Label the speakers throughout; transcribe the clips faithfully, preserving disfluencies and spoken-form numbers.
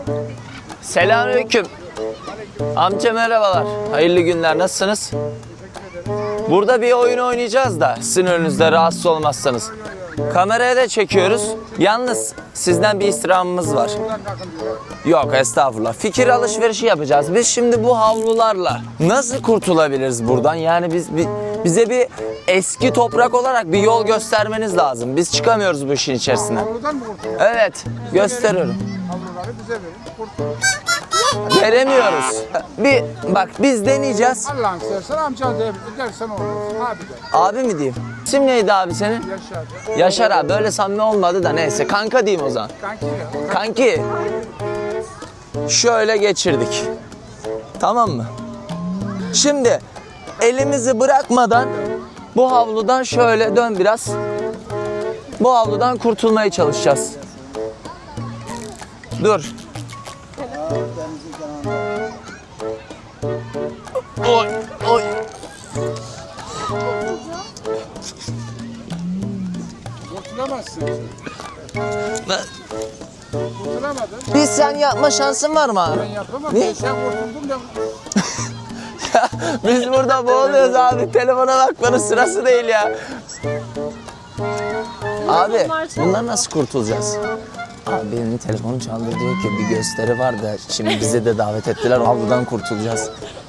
Speaker 1: Selamünaleyküm. Amca merhabalar. Hayırlı günler. Nasılsınız? Burada bir oyun oynayacağız da sizin önünüzde rahatsız olmazsanız. Kameraya da çekiyoruz. Yalnız sizden bir istirhamımız var. Yok estağfurullah. Fikir alışverişi yapacağız. Biz şimdi bu havlularla nasıl kurtulabiliriz buradan? Yani biz bir, bize bir eski toprak olarak bir yol göstermeniz lazım. Biz çıkamıyoruz bu işin içerisinden.
Speaker 2: Havludan mı kurtulur?
Speaker 1: Evet, gösteriyorum.
Speaker 2: Havluları bize verin. Kurtulur.
Speaker 1: Veremiyoruz. Bir bak biz deneyeceğiz.
Speaker 2: Allah'ın seversen amca de, dersen olur. Abi de.
Speaker 1: Abi mi diyeyim? İsim neydi abi senin?
Speaker 2: Yaşar.
Speaker 1: Yaşar abi. Böyle samimi olmadı da neyse. Kanka diyeyim o zaman.
Speaker 2: Kanki ya.
Speaker 1: Kanki. Şöyle geçirdik. Tamam mı? Şimdi elimizi bırakmadan bu havludan şöyle dön biraz. Bu havludan kurtulmaya çalışacağız. Dur. Oy, oy.
Speaker 2: Kurtulamazsın.
Speaker 1: Ben-
Speaker 2: Kurtulamadın.
Speaker 1: Bir sen yapma şansın var mı abi?
Speaker 2: Ben yapamam.
Speaker 1: Ne?
Speaker 2: Ben sen kurtuldun da.
Speaker 1: Biz burada boğuluyoruz abi. Telefona bakmanın sırası değil ya. Abi bundan nasıl kurtulacağız? Abi benim telefonum çaldı diyor ki bir gösteri var da şimdi bize de davet ettiler. Havludan kurtulacağız.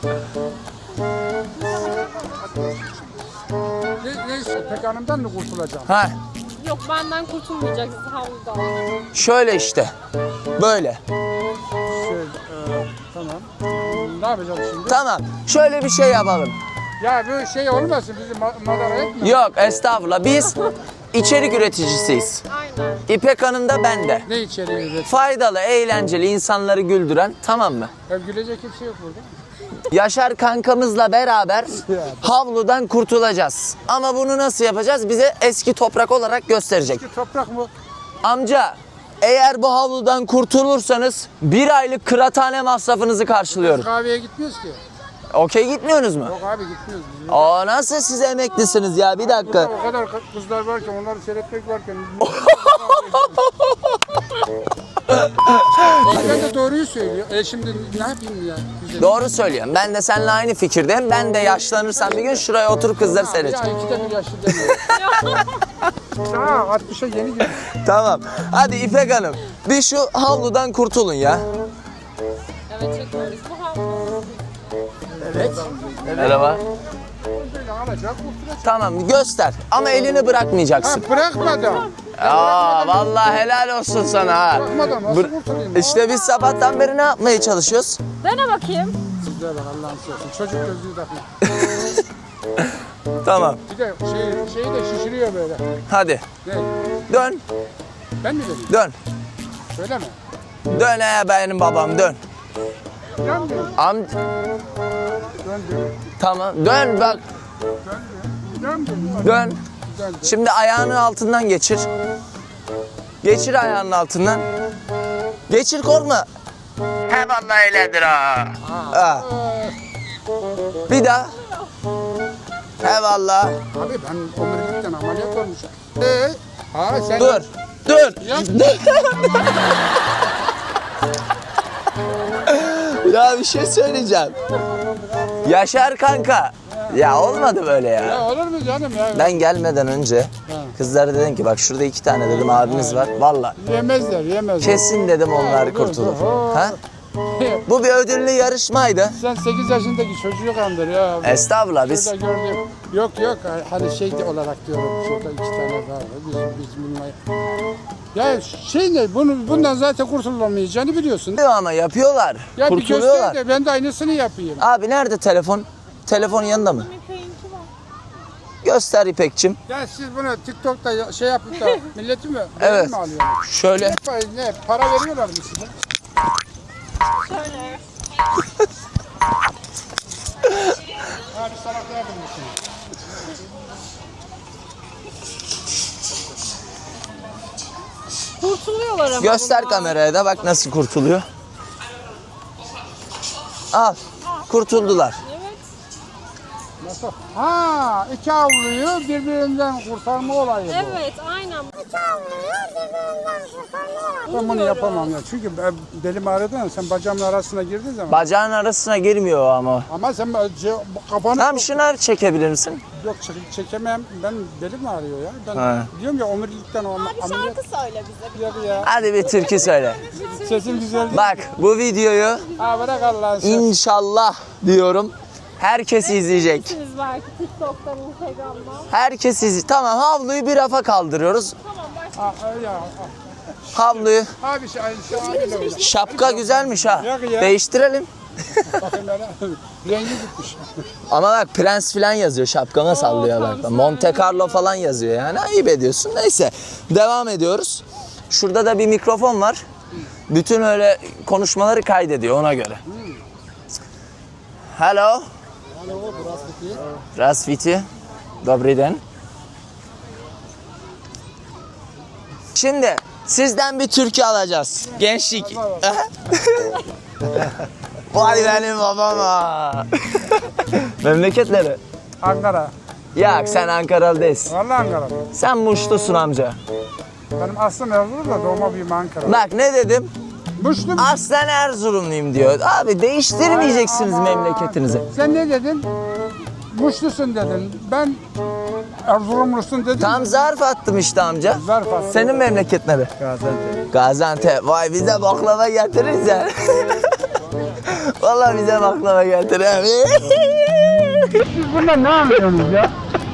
Speaker 2: Ne, neyse Pek Hanım'dan mı kurtulacağım?
Speaker 1: Ha
Speaker 3: Yok benden kurtulmayacaksın havludan.
Speaker 1: şöyle işte. Böyle.
Speaker 2: Şey, e, tamam. Ne yapacağım şimdi?
Speaker 1: Tamam. Şöyle bir şey yapalım.
Speaker 2: Ya bu şey olmasın bizi ma madara etme.
Speaker 1: Yok estağfurullah. Biz içerik üreticisiyiz.
Speaker 3: Aynen.
Speaker 1: İpek Hanım da ben de.
Speaker 2: Ne içeriği üret?
Speaker 1: Faydalı, eğlenceli, insanları güldüren, tamam mı?
Speaker 2: Ya gülecek kimse yok burada.
Speaker 1: Yaşar kankamızla beraber havludan kurtulacağız. Ama bunu nasıl yapacağız? Bize eski toprak olarak gösterecek.
Speaker 2: Ki toprak mı?
Speaker 1: Amca, eğer bu havludan kurtulursanız bir aylık kıraathane masrafınızı karşılıyorum.
Speaker 2: Kahveye gitmiyoruz ki.
Speaker 1: Okey gitmiyorsunuz mu?
Speaker 2: Yok abi gitmiyoruz. Biz.
Speaker 1: Aa nasıl siz emeklisiniz ya bir dakika.
Speaker 2: O kadar kızlar varken onları seyretmek varken. Ben de doğruyu söylüyor. E şimdi ne yapayım ya? Güzel.
Speaker 1: Doğru söylüyorum. Ben de seninle aynı fikirdeyim. Ben de yaşlanırsam bir gün şuraya oturup kızları
Speaker 2: Ya
Speaker 1: seyredeceğim.
Speaker 2: ikide bir yaşlı demiyor. Daha altmışa yeni girmiş.
Speaker 1: Tamam. Hadi İpek Hanım. Bir şu havludan kurtulun ya.
Speaker 3: Evet çekiyoruz. Bu havlu.
Speaker 2: Evet.
Speaker 1: Merhaba.
Speaker 2: Böyle alacak kurtulacak.
Speaker 1: Tamam göster. Ama elini
Speaker 2: Ha
Speaker 1: bırakmayacaksın.
Speaker 2: bırakmadan.
Speaker 1: Aa vallahi helal olsun sana ha.
Speaker 2: Bırakmadan nasıl
Speaker 1: Bır-
Speaker 2: kurtulayım?
Speaker 1: İşte biz sabahtan beri ne yapmaya çalışıyoruz?
Speaker 3: Dene bakayım.
Speaker 2: Sizlere bak Allah'ın sevsin. Çocuk gözlüğü takıyor.
Speaker 1: Tamam.
Speaker 2: Bir de şey, şeyi de şişiriyor böyle.
Speaker 1: Hadi.
Speaker 2: Ne?
Speaker 1: Dön.
Speaker 2: Ben mi dedim?
Speaker 1: Dön.
Speaker 2: Söyleme.
Speaker 1: Dön he benim babam dön.
Speaker 2: Döndüm.
Speaker 1: Am
Speaker 2: Döndüm.
Speaker 1: tamam. Dön bak.
Speaker 2: Döndüm.
Speaker 1: Dön.
Speaker 2: Döndüm.
Speaker 1: Şimdi ayağının altından geçir. Geçir ayağının altından. Geçir korkma. He vallahi öyledir ha. Ha. Bir daha. He vallahi.
Speaker 2: Abi ben omurilikten ameliyat olmuşum. Ee, ha sen...
Speaker 1: Dur. Dur.
Speaker 2: Ya,
Speaker 1: Ya bir şey söyleyeceğim. Yaşar kanka. Ya olmadı böyle ya.
Speaker 2: ya olur mu canım ya?
Speaker 1: Ben gelmeden önce kızlara dedim ki bak şurada iki tane dedim abimiz var. Vallahi
Speaker 2: Yemezler, yemezler.
Speaker 1: kesin dedim onlar kurtulur. Ha? Bu bir ödüllü yarışmaydı.
Speaker 2: Sen sekiz yaşındaki çocuğu kandır ya.
Speaker 1: Estağfurullah biz
Speaker 2: Şurada gördüm. Yok yok hani şey de olarak diyorum şurada iki tane var. Biz, biz bununla... Ya şey ne bunu, bundan zaten kurtulamayacağını biliyorsun.
Speaker 1: ama yapıyorlar.
Speaker 2: Ya bir
Speaker 1: Kurtuluyorlar.
Speaker 2: göster de ben de aynısını yapayım.
Speaker 1: Abi nerede telefon? Telefonun yanında mı?
Speaker 3: İpek'inki var.
Speaker 1: Göster İpekçim.
Speaker 2: Ya siz bunu TikTok'ta ya- şey yapıp da milleti mi?
Speaker 1: Evet.
Speaker 2: mi alıyorsunuz?
Speaker 1: Şöyle.
Speaker 2: Ne, ne para veriyorlar mı size?
Speaker 3: Şöyle.
Speaker 2: Abi salak yardım mısın?
Speaker 3: Kurtuluyorlar ama.
Speaker 1: Göster
Speaker 3: bunlar.
Speaker 1: kameraya da bak nasıl kurtuluyor. Al. Kurtuldular.
Speaker 3: Evet.
Speaker 2: Nasıl? Ha, iki avluyu birbirinden kurtarma olayı bu.
Speaker 3: Evet, aynen.
Speaker 2: Ben bunu yapamam ya. Çünkü ben- belim ağrıdı ya, sen bacağımın arasına girdiğin zaman.
Speaker 1: Bacağın arasına girmiyor o ama.
Speaker 2: Ama sen ce- kafanı...
Speaker 1: Tamam şunu çekebilir misin?
Speaker 2: Yok çek- çekemem. Ben belim ağrıyor ya. Ben
Speaker 1: Ha.
Speaker 2: diyorum ya omurilikten o ameliyat.
Speaker 3: söyle bize.
Speaker 2: Yok ya.
Speaker 1: Hadi bir türkü söyle.
Speaker 2: Sesim güzel değil.
Speaker 1: Bak bu videoyu
Speaker 2: Ha bırak Allah'ın sen.
Speaker 1: inşallah diyorum herkes izleyecek.
Speaker 3: Siz belki TikTok'tan, Instagram'dan.
Speaker 1: Herkes izleyecek. Tamam havluyu bir rafa kaldırıyoruz.
Speaker 3: Tamam, başla.
Speaker 2: Ha, ya.
Speaker 1: Havluyu.
Speaker 2: Abi şey, şey abiyle oyna.
Speaker 1: Şapka güzelmiş ha.
Speaker 2: Yok ya.
Speaker 1: Değiştirelim.
Speaker 2: Bakın bana. Rengi gitmiş.
Speaker 1: Ama bak prens falan yazıyor şapkama sallıyor bak. Monte Carlo falan yazıyor yani ayıp ediyorsun. Neyse devam ediyoruz. Şurada da bir mikrofon var. Bütün öyle konuşmaları kaydediyor ona göre. Hello. Здравствуйте. Добрый день. Şimdi sizden bir türkü alacağız. Gençlik. Vay benim babama. Memleketleri.
Speaker 2: Ankara.
Speaker 1: Ya sen Ankaralı değilsin.
Speaker 2: Vallahi Ankara.
Speaker 1: Sen Muşlusun amca.
Speaker 2: Benim aslım Erzurum da doğma büyüme Ankara.
Speaker 1: Bak ne dedim?
Speaker 2: Muşlu mu?
Speaker 1: Aslen Erzurumluyum diyor. Abi değiştirmeyeceksiniz
Speaker 2: Ama-
Speaker 1: memleketinizi.
Speaker 2: Sen ne dedin? Muşlusun dedin. Ben Erzurumlusun dedim.
Speaker 1: Tam zarf attım işte amca.
Speaker 2: Zarf attın.
Speaker 1: Senin memleket nere?
Speaker 2: Gaziantep.
Speaker 1: Gaziantep. Vay bize baklava getiririz ya. Vallahi bize baklava getirir.
Speaker 2: Siz bundan ne anlıyorsunuz ya?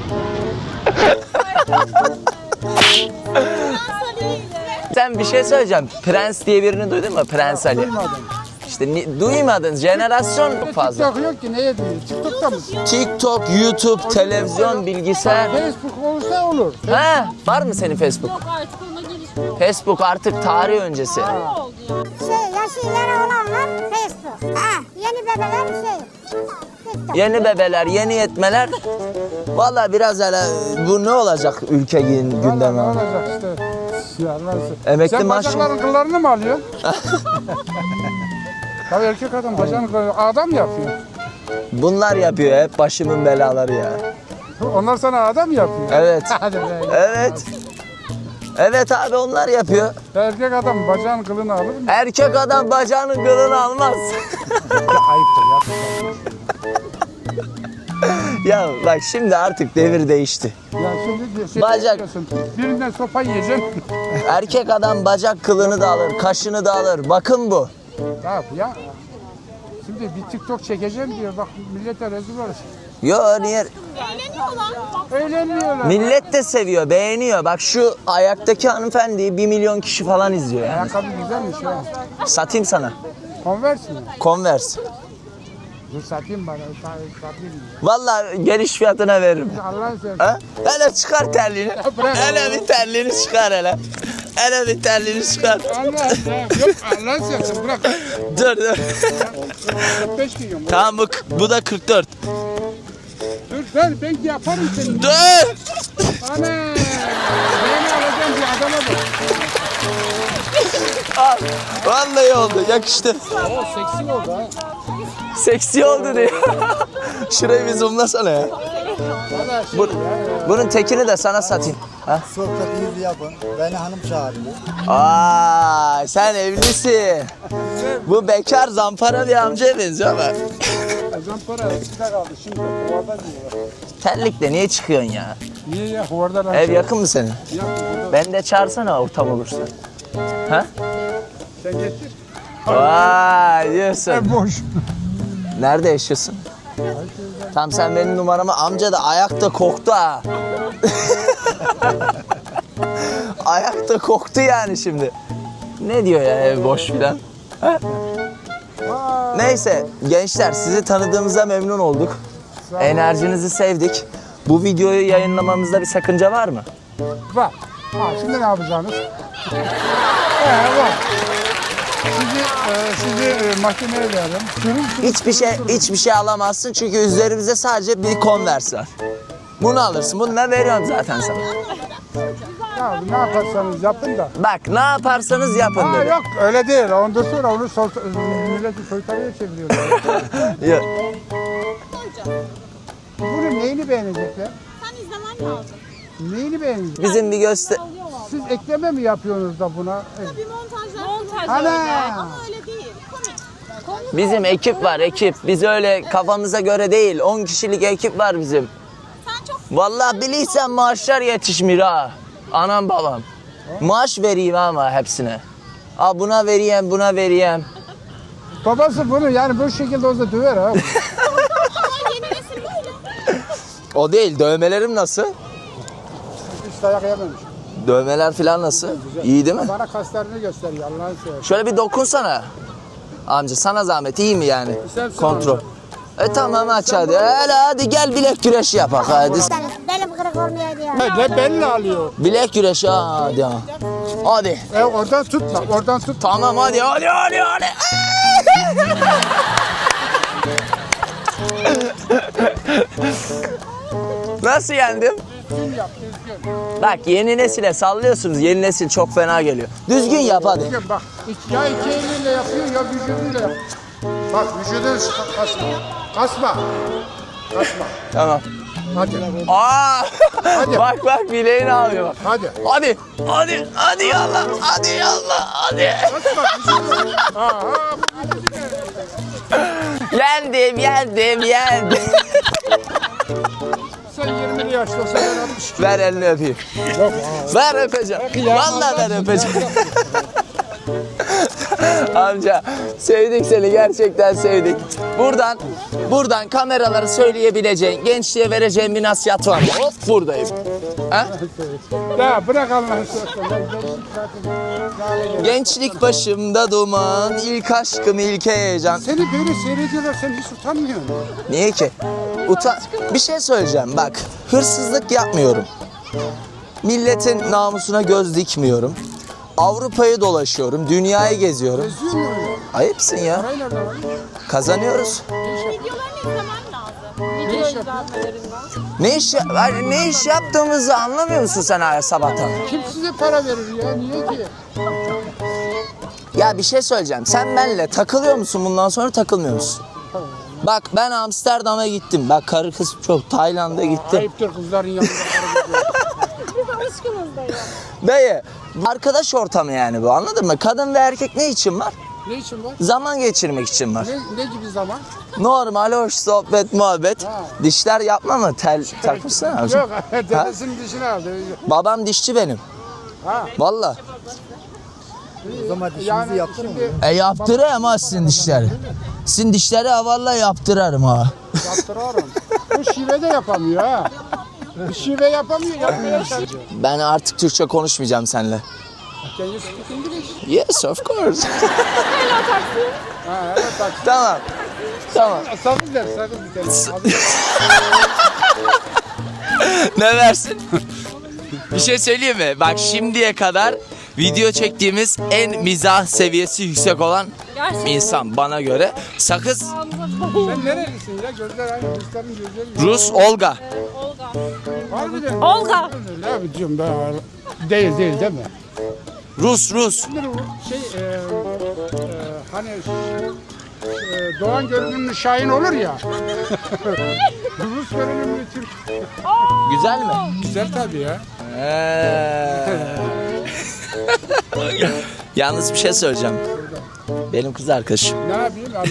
Speaker 1: Sen bir şey söyleyeceğim. Prens diye birini duydun mu? Prens Ali.
Speaker 2: Duymadım.
Speaker 1: İşte ni- duymadın. Jenerasyon çok fazla.
Speaker 2: TikTok yok ki neye duyuyor? TikTok'ta mısın?
Speaker 1: TikTok, YouTube, televizyon, bilgisayar.
Speaker 2: Facebook olursa olur.
Speaker 1: Ha, var mı senin Facebook?
Speaker 3: Yok artık ona gelişmiyor.
Speaker 1: Facebook artık tarih öncesi.
Speaker 3: Ne oldu ya?
Speaker 4: Şey, yaşı ileri olanlar Facebook. Ha, yeni bebeler şey. TikTok.
Speaker 1: Yeni bebeler, yeni yetmeler. Vallahi biraz hele bu ne olacak ülke gün-
Speaker 2: Vallahi
Speaker 1: gündemi?
Speaker 2: ne olacak işte. Ya nasıl?
Speaker 1: Emekli
Speaker 2: Sen
Speaker 1: maaşı-
Speaker 2: bacakların kıllarını mı alıyorsun? Tabii erkek adam bacağını kılları adam yapıyor.
Speaker 1: Bunlar yapıyor hep başımın belaları ya.
Speaker 2: Onlar sana adam yapıyor.
Speaker 1: Evet.
Speaker 2: Hadi be.
Speaker 1: Evet. Evet abi onlar yapıyor.
Speaker 2: Erkek adam bacağın kılını alır mı?
Speaker 1: Erkek adam bacağının kılını almaz.
Speaker 2: Ayıptır ya.
Speaker 1: Ya bak şimdi artık devir değişti.
Speaker 2: Ya şimdi şey
Speaker 1: Bacak.
Speaker 2: diyorsun, birinden sopa yiyeceksin.
Speaker 1: Erkek adam bacak kılını da alır, kaşını da alır. Bakın bu.
Speaker 2: Ne yap ya? Şimdi bir TikTok çekeceğim diyor. Bak millete rezil olur.
Speaker 1: Yo niye?
Speaker 2: Eğlenmiyorlar.
Speaker 1: Millet de seviyor, beğeniyor. Bak şu ayaktaki hanımefendiyi bir milyon kişi falan izliyor yani.
Speaker 2: Ayakkabı güzelmiş ya.
Speaker 1: Satayım sana.
Speaker 2: Converse mi?
Speaker 1: Converse.
Speaker 2: Dur satayım bana. sa- Satayım.
Speaker 1: Vallahi geliş fiyatına veririm.
Speaker 2: Allah'ın seversen.
Speaker 1: Ha? Hele çıkar terliğini.
Speaker 2: bırak.
Speaker 1: Hele bir terliğini çıkar hele. Hele bir terliğini çıkar.
Speaker 2: Allah ya. Yok Allah'ın seversen bırak.
Speaker 1: Dur dur.
Speaker 2: kırk beş milyon.
Speaker 1: Tamam bu, bu da kırk dört.
Speaker 2: Dur ben ben yaparım seni.
Speaker 1: Dur.
Speaker 2: Ana. Beni alacağım bir adama bak.
Speaker 1: Al. Vallahi oldu yakıştı.
Speaker 2: O seksi oldu ha.
Speaker 1: Seksi oldu diyor. Şurayı bir zoomlasana ya.
Speaker 2: Valla şey
Speaker 1: Bu,
Speaker 2: ya.
Speaker 1: bunun tekini de sana satayım. Ha?
Speaker 5: Sohbetinizi yapın. Beni hanım çağırıyor.
Speaker 1: Aa, sen evlisin. Bu bekar zampara bir amcaya benziyor ama.
Speaker 2: Zampara eskide kaldı şimdi huvarda diyorlar.
Speaker 1: Terlikle niye çıkıyorsun ya?
Speaker 2: Niye ya huvarda lan?
Speaker 1: Ev yakın mı senin?
Speaker 2: Yak huvarda.
Speaker 1: Ben de çağırsana ortam olursa. Ha?
Speaker 2: Sen getir.
Speaker 1: Vay diyorsun.
Speaker 2: Ev boş.
Speaker 1: Nerede yaşıyorsun? Tam sen benim numaramı amca da ayakta koktu ha. Ayakta koktu yani şimdi. Ne diyor ya ev boş filan? Ha? Neyse gençler sizi tanıdığımıza memnun olduk. Enerjinizi sevdik. Bu videoyu yayınlamamızda bir sakınca var mı?
Speaker 2: Var. Ha, şimdi ne yapacaksınız? Ee, var. Sizi, e, sizi e, mahkemeye verelim. Sürüm sürüm.
Speaker 1: Hiçbir şey hiçbir şey alamazsın çünkü üzerimizde sadece bir Converse var. Bunu alırsın. Bunu da veriyorum zaten sana.
Speaker 2: Ya ne yaparsanız yapın da.
Speaker 1: Bak ne yaparsanız yapın
Speaker 2: Ha,
Speaker 1: dedi.
Speaker 2: yok öyle değil. Ondan sonra onu sol, milleti soytarıya çeviriyorlar.
Speaker 1: Yok.
Speaker 2: Bu neyini beğenecekler?
Speaker 3: Sen izlemen lazım.
Speaker 2: Neyini beğenecekler?
Speaker 1: Bizim bir göster...
Speaker 3: Alıyor valla.
Speaker 2: Siz ekleme mi yapıyorsunuz da buna?
Speaker 3: Bir montajlar Montaj
Speaker 2: Ana!
Speaker 3: öyle ama öyle değil. Komik.
Speaker 1: Bizim ekip var ekip. Biz öyle kafamıza göre değil. on kişilik ekip var bizim.
Speaker 3: Sen çok
Speaker 1: Vallahi bilirsen maaşlar yetişmiyor ha. Anam babam. Maaş vereyim ama hepsine. Aa buna vereyim, buna vereyim.
Speaker 2: Babası bunu yani bu şekilde olsa döver ha.
Speaker 3: ama yeni nesil böyle.
Speaker 1: O değil, dövmelerim nasıl?
Speaker 2: Hiç dayak yememiş.
Speaker 1: Dövmeler falan nasıl? İyi değil mi?
Speaker 2: Bana kaslarını gösteriyor Allah'ın seversen.
Speaker 1: Şöyle bir dokunsana. Amca sana zahmet iyi mi yani?
Speaker 2: Sen
Speaker 1: Kontrol. E tamam aç hadi. Hele hadi gel bilek güreşi yapak hadi.
Speaker 4: Benim kırık olmuyor diyor.
Speaker 2: Ne belli alıyor.
Speaker 1: Bilek güreşi hadi. ha. Hadi.
Speaker 2: E oradan tutma, oradan tut.
Speaker 1: Tamam hadi hadi hadi hadi. Nasıl yendim?
Speaker 2: Düzgün yap, düzgün.
Speaker 1: Bak yeni nesile sallıyorsunuz. Yeni nesil çok fena geliyor. Düzgün yap hadi.
Speaker 2: Düzgün bak. Ya iki eliyle yapıyor ya vücuduyla yap. Bak vücudun kasma. Kasma. Kasma.
Speaker 1: Tamam.
Speaker 2: Hadi.
Speaker 1: Aa!
Speaker 2: Hadi.
Speaker 1: bak bak bileğini alıyor bak.
Speaker 2: Hadi.
Speaker 1: Hadi. Hadi. Hadi yallah. Hadi yallah. Hadi.
Speaker 2: Kasma vücudunu. Ha ha.
Speaker 1: Yendim, yendim, yendim.
Speaker 2: Sen yirmili yaştasın ben altmış iki.
Speaker 1: Ver elini öpeyim.
Speaker 2: Yok.
Speaker 1: Ver öpeceğim.
Speaker 2: Ya,
Speaker 1: Vallahi ver
Speaker 2: Allah-
Speaker 1: öpeceğim. Amca sevdik seni gerçekten sevdik. Buradan buradan kameraları söyleyebileceğin, gençliğe vereceğin bir nasihat var mı? Hop buradayım. Ha?
Speaker 2: Ya bırak Allah'ını seversen. Ben gençlik zaten lale geldi.
Speaker 1: Gençlik başımda duman, ilk aşkım ilk heyecan.
Speaker 2: Seni böyle seyrediyorlar sen hiç utanmıyorsun.
Speaker 1: Niye ki? Utan bir şey söyleyeceğim bak. Hırsızlık yapmıyorum. Milletin namusuna göz dikmiyorum. Avrupa'yı dolaşıyorum, dünyayı geziyorum.
Speaker 2: Geziyor mu öyle?
Speaker 1: Ayıpsın ya.
Speaker 2: Parayı nereden alıyorsun?
Speaker 1: Kazanıyoruz.
Speaker 3: Videolarını izlemen lazım.
Speaker 2: Ne
Speaker 3: Video
Speaker 2: iş yapıyorsun?
Speaker 3: izlenmelerinden.
Speaker 1: Ne iş, yani ne iş yaptığımızı anlamıyor musun sen her sabahtan?
Speaker 2: Kim size para verir ya? Niye ki?
Speaker 1: Ya bir şey söyleyeceğim. Sen benimle takılıyor musun bundan sonra takılmıyor musun? Bak ben Amsterdam'a gittim. Bak karı kız çok Tayland'a gittim.
Speaker 2: Ayıptır kızların yanında para veriyor.
Speaker 3: Biz alışkınız da ya.
Speaker 1: Dayı arkadaş ortamı yani bu anladın mı? Kadın ve erkek ne için var?
Speaker 2: Ne için var?
Speaker 1: Zaman geçirmek için var.
Speaker 2: Ne, ne gibi zaman?
Speaker 1: Normal hoş sohbet muhabbet.
Speaker 2: Ha.
Speaker 1: Dişler yapma mı? Tel takmışsana.
Speaker 2: Yok, dedesinin dişini aldı.
Speaker 1: Babam dişçi benim.
Speaker 2: Ha.
Speaker 1: Valla.
Speaker 5: O zaman dişimizi
Speaker 2: Yani
Speaker 5: yaptırın mı?
Speaker 2: şimdi
Speaker 1: E yaptırayım ha sizin dişleri. Sizin dişleri ha vallahi yaptırarım ha.
Speaker 2: yaptırıyorum. Bu şive de yapamıyor ha. Bu şive yapamıyor, yapmaya çalışıyor.
Speaker 1: Ben artık Türkçe konuşmayacağım seninle.
Speaker 2: Can you speak English?
Speaker 1: Yes of course.
Speaker 2: Ha, evet bak.
Speaker 1: Tamam. Tamam.
Speaker 2: Sakız ver, sakız bir tane. Abi,
Speaker 1: Ne versin? Bir şey söyleyeyim mi? Bak şimdiye kadar video çektiğimiz en mizah seviyesi yüksek olan
Speaker 3: Gerçekten.
Speaker 1: insan bana göre. Sakız
Speaker 2: sen nerelisin ya? Gözler aynı, Rusların gözleri.
Speaker 1: Rus Olga.
Speaker 3: Olga.
Speaker 2: Harbiden.
Speaker 3: Olga.
Speaker 2: Ne yapacağım ben? Değil değil değil mi?
Speaker 1: Rus Rus.
Speaker 2: Şimdi bu şey e, e, hani e, Doğan görünümlü Şahin olur ya. Rus görünümlü Türk.
Speaker 1: Güzel mi?
Speaker 2: Güzel tabii ya.
Speaker 1: Yalnız bir şey söyleyeceğim. Benim kız arkadaşım.
Speaker 2: Ne yapayım? Allah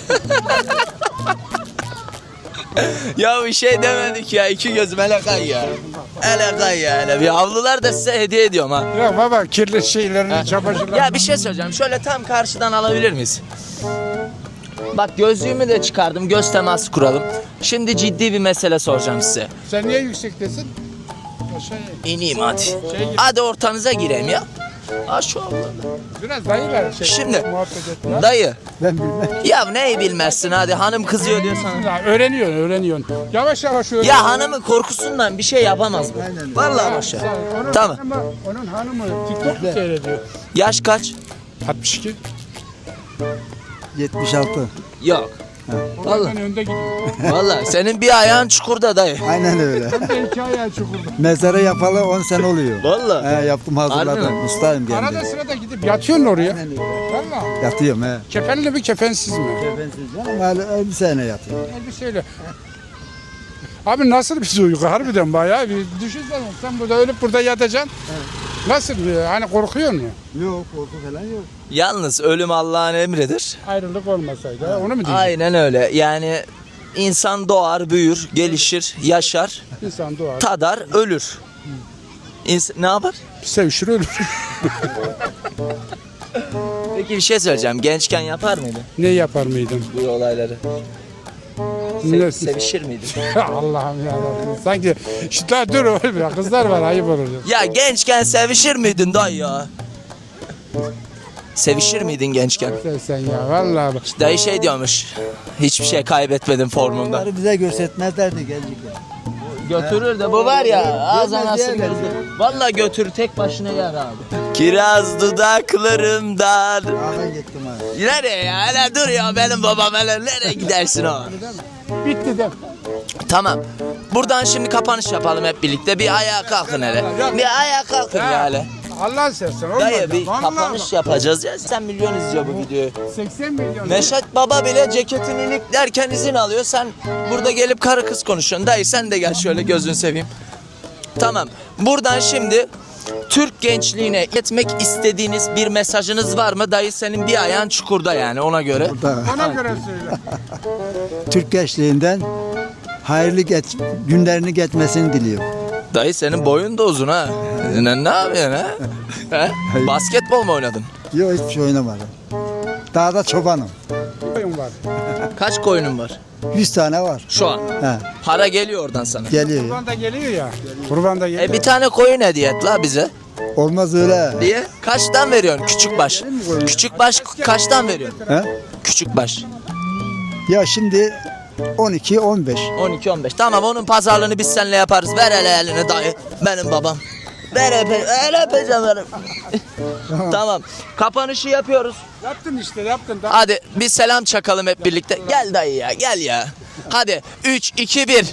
Speaker 1: Ya bir şey demedik ya. İki gözüm hele kay ya. Hele kay ya hele. Bir havlular da size hediye ediyorum ha.
Speaker 2: Ya baba kirli şeylerini, çamaşırlarını.
Speaker 1: Ya bir şey söyleyeceğim. Şöyle tam karşıdan alabilir miyiz? Bak gözlüğümü de çıkardım. Göz teması kuralım. Şimdi ciddi bir mesele soracağım size.
Speaker 2: Sen niye yüksektesin? O şey,
Speaker 1: İneyim hadi.
Speaker 2: şey gibi,
Speaker 1: Hadi ortanıza gireyim ya. Ha şu avluda.
Speaker 2: biraz dayılar şey.
Speaker 1: Şimdi
Speaker 2: muhabbet et ya.
Speaker 1: dayı.
Speaker 5: Ben bilmem.
Speaker 1: Ya neyi bilmezsin hadi hanım kızıyor diyor sana.
Speaker 2: Ya öğreniyorsun, öğreniyorsun. Yavaş yavaş öğren.
Speaker 1: Ya hanımın korkusundan bir şey yapamaz bu. Vallahi boş ver.
Speaker 2: Onun
Speaker 1: Tamam.
Speaker 2: Hanımı, onun hanımı TikTok mu seyrediyor?
Speaker 1: Yaş kaç?
Speaker 2: altmış iki.
Speaker 5: yetmiş altı.
Speaker 1: Yok. Vallahi.
Speaker 2: Ondan önde gidiyor.
Speaker 1: Vallahi senin bir ayağın çukurda dayı.
Speaker 5: Aynen öyle.
Speaker 2: Ben de iki ayağı çukurda.
Speaker 5: Mezarı yapalı on sene oluyor.
Speaker 1: Vallahi.
Speaker 5: He, yaptım
Speaker 1: Harbi
Speaker 5: hazırladım.
Speaker 1: mi?
Speaker 5: Ustayım
Speaker 2: Arada
Speaker 5: kendim.
Speaker 2: sırada gidip yatıyorsun oraya.
Speaker 5: Aynen öyle.
Speaker 2: Valla.
Speaker 5: Yatıyorum he.
Speaker 2: Kefenli mi kefensiz mi?
Speaker 5: Kefensiz canım. Hala elbiseyle yatıyorum.
Speaker 2: Elbiseyle. Abi nasıl bir uyku harbiden bayağı bir düşünsene sen burada ölüp burada yatacaksın. Nasıl bir hani korkuyor mu?
Speaker 5: Yok korku falan yok.
Speaker 1: Yalnız ölüm Allah'ın emridir.
Speaker 2: Ayrılık olmasaydı ha, onu mu diyeceksin?
Speaker 1: Aynen öyle. Yani insan doğar, büyür, gelişir, yaşar,
Speaker 2: İnsan doğar,
Speaker 1: tadar, ölür. İns- ne yapar?
Speaker 2: sevişir ölür.
Speaker 1: Peki bir şey söyleyeceğim. Gençken yapar mıydın
Speaker 2: Ne yapar mıydın?
Speaker 1: bu olayları?
Speaker 2: Ne-
Speaker 1: Sev- sevişir miydin?
Speaker 2: Allah'ım ya. Sanki işte dur oğlum ya kızlar var ayıp olur.
Speaker 1: Ya gençken sevişir miydin dayı ya? Sevişir miydin gençken?
Speaker 2: Sen, sen ya vallahi bak.
Speaker 1: Dayı şey diyormuş. Hiçbir şey kaybetmedim formunda.
Speaker 5: Bunları bize göstermezlerdi gelecekler.
Speaker 1: Götürür de bu var ya ağız
Speaker 5: Görmez
Speaker 1: anası
Speaker 5: diyemez
Speaker 1: gözü. Valla götür tek başına yer abi. Kiraz dudaklarımdan.
Speaker 5: Ağdan gittim abi.
Speaker 1: Nereye ya? Hele dur ya benim babam hele nereye gidersin o?
Speaker 2: Bitti de.
Speaker 1: Tamam. Buradan şimdi kapanış yapalım hep birlikte. Bir ayağa kalkın hele. Bir ayağa kalkın ya hele.
Speaker 2: Allah'ın sersen olmaz.
Speaker 1: Dayı
Speaker 2: ya.
Speaker 1: bir
Speaker 2: Vallahi
Speaker 1: kapanış yapacağız ya. Sen milyon izliyor bu videoyu.
Speaker 2: bak, seksen milyon.
Speaker 1: Neşet Baba bile ceketini iliklerken izin alıyor. Sen burada gelip karı kız konuşuyorsun. Dayı sen de gel şöyle gözünü seveyim. Tamam. Buradan şimdi Türk gençliğine iletmek istediğiniz bir mesajınız var mı? Dayı senin bir ayağın çukurda yani ona göre.
Speaker 5: Burada
Speaker 2: Ona göre söyle.
Speaker 5: Türk gençliğinden hayırlı geç, günlerini geçmesini diliyorum.
Speaker 1: Dayı senin boyun da uzun ha. Ne, ne yapıyorsun ha? He? Basketbol mu oynadın?
Speaker 5: Yok hiçbir şey oynamadım. Dağda çobanım.
Speaker 2: Oyun var.
Speaker 1: Kaç koyunun var?
Speaker 5: yüz tane var.
Speaker 1: Şu an.
Speaker 5: He,
Speaker 1: Para geliyor oradan sana.
Speaker 5: geliyor.
Speaker 2: Kurban da geliyor ya. Kurban da geliyor.
Speaker 1: E bir tane koyun hediye et la bize.
Speaker 5: Olmaz öyle.
Speaker 1: Diye. Kaçtan veriyorsun küçük baş? Küçük baş kaçtan veriyorsun?
Speaker 5: He?
Speaker 1: Küçük baş.
Speaker 5: Ya şimdi on iki on beş.
Speaker 1: on iki on beş. Tamam onun pazarlığını biz seninle yaparız. Ver hele elini dayı. Benim babam. Ver öpe, el öpeceğim benim. Tamam. Kapanışı yapıyoruz.
Speaker 2: Yaptın işte yaptın. Da.
Speaker 1: Hadi bir selam çakalım hep birlikte. Gel dayı ya gel ya. Hadi üç iki bir.